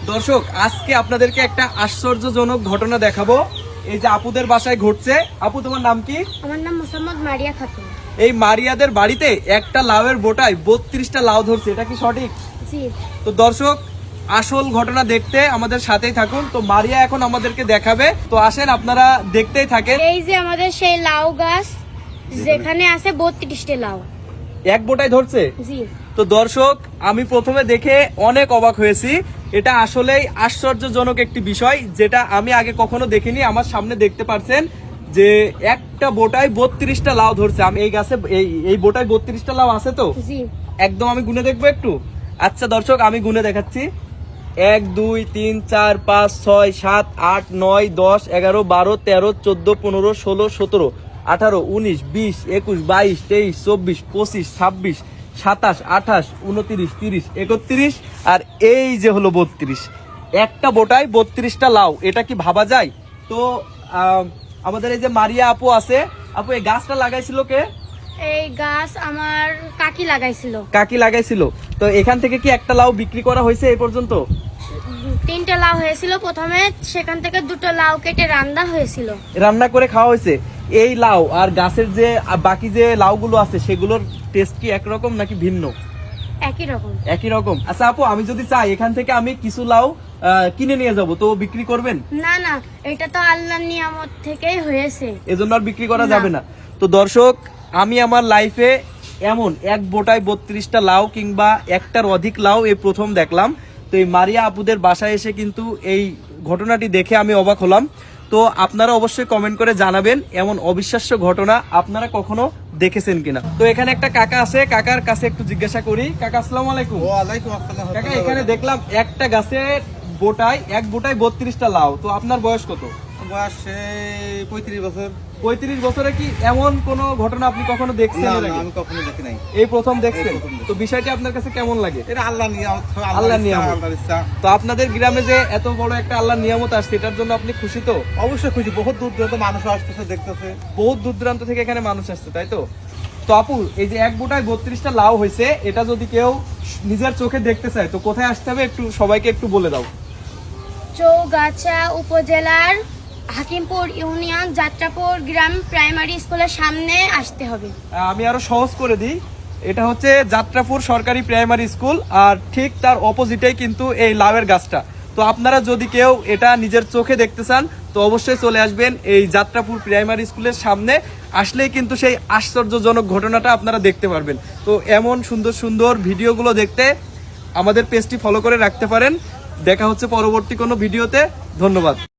দর্শক আজকে আপনাদেরকে একটা আশ্চর্যজনক ঘটনা দেখাবো। এই যে আপুদের বাসায় ঘটছে। আপু, তোমার নাম কি? আমার নাম মোসাম্মদ মারিয়া খাতুন। এই মারিয়াদের বাড়িতে একটা লাউয়ের বোটায় 32টা লাউ ধরছে, এটা কি সঠিক? জি। তো দর্শক আসল ঘটনা দেখতে আমাদের সাথেই থাকুন। তো মারিয়া এখন আমাদেরকে দেখাবে, তো আসেন আপনারা দেখতেই থাকেন। এই যে আমাদের সেই লাউ গাছ, যেখানে আছে 32টা লাউ এক বোটায় ধরছে। জি। তো দর্শক আমি প্রথমে দেখে অনেক অবাক হয়েছি। এটা আসলেই আশ্চর্যজনক একটি বিষয়, যেটা আমি আগে কখনো দেখিনি। আমার সামনে দেখতে পাচ্ছেন যে একটা বোটায় 32টা লাউ ধরছে। আমি এই গাছে এই বোটায় 32টা লাউ আছে তো জি। একদম আমি গুনে দেখবো একটু। আচ্ছা দর্শক আমি গুনে দেখাচ্ছি। 1 2 3 4 5 6 7 8 9 10 11 12 13 14 15 16 17 18 19 20 21 22 23 24 25 26 27 28 29 30 31 আর এই যে হলো 32। একটা বোটায় 32টা লাউ, এটা কি ভাবা যায়? তো আমাদের এই যে মারিয়া আপু আছে। আপু, এই গাছটা লাগাইছিল কে? এই গাছ আমার কাকি লাগাইছিল। কাকি লাগাইছিল। তো এখান থেকে কি একটা লাউ বিক্রি করা হয়েছে এই পর্যন্ত? 3টা লাউ হয়েছিল প্রথমে, সেখান থেকে 2টো লাউ কেটে রান্না হয়েছিল। রান্না করে খাওয়া হয়েছে। এই লাউ আর গাছের যে বাকি যে লাউগুলো আছে সেগুলোর টেস্ট কি একরকম নাকি ভিন্ন? একই রকম। একই রকম। আচ্ছা আপু, আমি যদি চাই এখান থেকে আমি কিছু লাউ কিনে নিয়ে যাব, তো বিক্রি করবেন? না না, এটা তো আল্লাহর নিয়ামত থেকেই হয়েছে, এজন্য আর বিক্রি করা না। যাবে না। তো দর্শক আমি আমার লাইফে এমন এক বোটায় 32টা লাউ কিংবা একটার অধিক লাউ এই প্রথম দেখলাম। তো এই মারিয়া আপুদের বাসায় এসে কিন্তু এই ঘটনাটি দেখে আমি অবাক হলাম। তো আপনারা অবশ্যই কমেন্ট করে জানাবেন এমন অবিশ্বাস্য ঘটনা আপনারা কখনো দেখেছেন কিনা। তো এখানে একটা কাকা আছে, কাকার কাছে একটু জিজ্ঞাসা করি। কাকা আসসালামু আলাইকুম। ওয়ালাইকুম আসসালাম। কাকা, এখানে দেখলাম একটা গাছে এক বোটায় 32টা লাউ। তো আপনার বয়স কত? বয়স 35 বছর। 35 বছরে কি এমন কোন ঘটনা আপনি কখনো দেখছেন? না এর না, আগে? আমি কখনো দেখি নাই। এই প্রথম দেখছেন? এই প্রথম দেখছি। তো বিষয়টি আপনার কাছে কেমন লাগে? এটা আল্লাহ নিয়ামত, আল্লাহর নিয়ামত। আল্লাহর ইচ্ছা। তো আপনাদের গ্রামে যে এত বড় একটা আল্লাহর নিয়ামত আসছে, এটার জন্য আপনি খুশি তো? অবশ্যই খুশি। বহুত দূর দূরান্ত মানুষ আসতেছে, দেখতেছে। বহুত দূর দূরান্ত থেকে এখানে মানুষ আসছে, তাই তো? তো আপু, এই যে এক বোটায় 32টা লাউ হয়েছে, এটা যদি কেউ নিজের চোখে দেখতে চায় তো কোথায় আসতে হবে একটু সবাইকে একটু বলে দাও। চৌগাছা উপজেলার হাকিমপুর ইউনিয়ন যাত্রাপুর গ্রাম প্রাইমারি স্কুলের সামনে আসতে হবে। আমি আরো সহজ করে দিই। এটা হচ্ছে যাত্রাপুর সরকারি প্রাইমারি স্কুল, আর ঠিক তার অপোজিটেই কিন্তু এই লাউয়ের গাছটা। তো আপনারা যদি কেউ এটা নিজের চোখে দেখতে চান তো অবশ্যই চলে আসবেন এই যাত্রাপুর প্রাইমারি স্কুলের সামনে। আসলেই কিন্তু সেই আশ্চর্যজনক ঘটনাটা আপনারা দেখতে পারবেন। তো এমন সুন্দর সুন্দর ভিডিওগুলো দেখতে আমাদের পেজটি ফলো করে রাখতে পারেন। দেখা হচ্ছে পরবর্তী কোনো ভিডিওতে। ধন্যবাদ।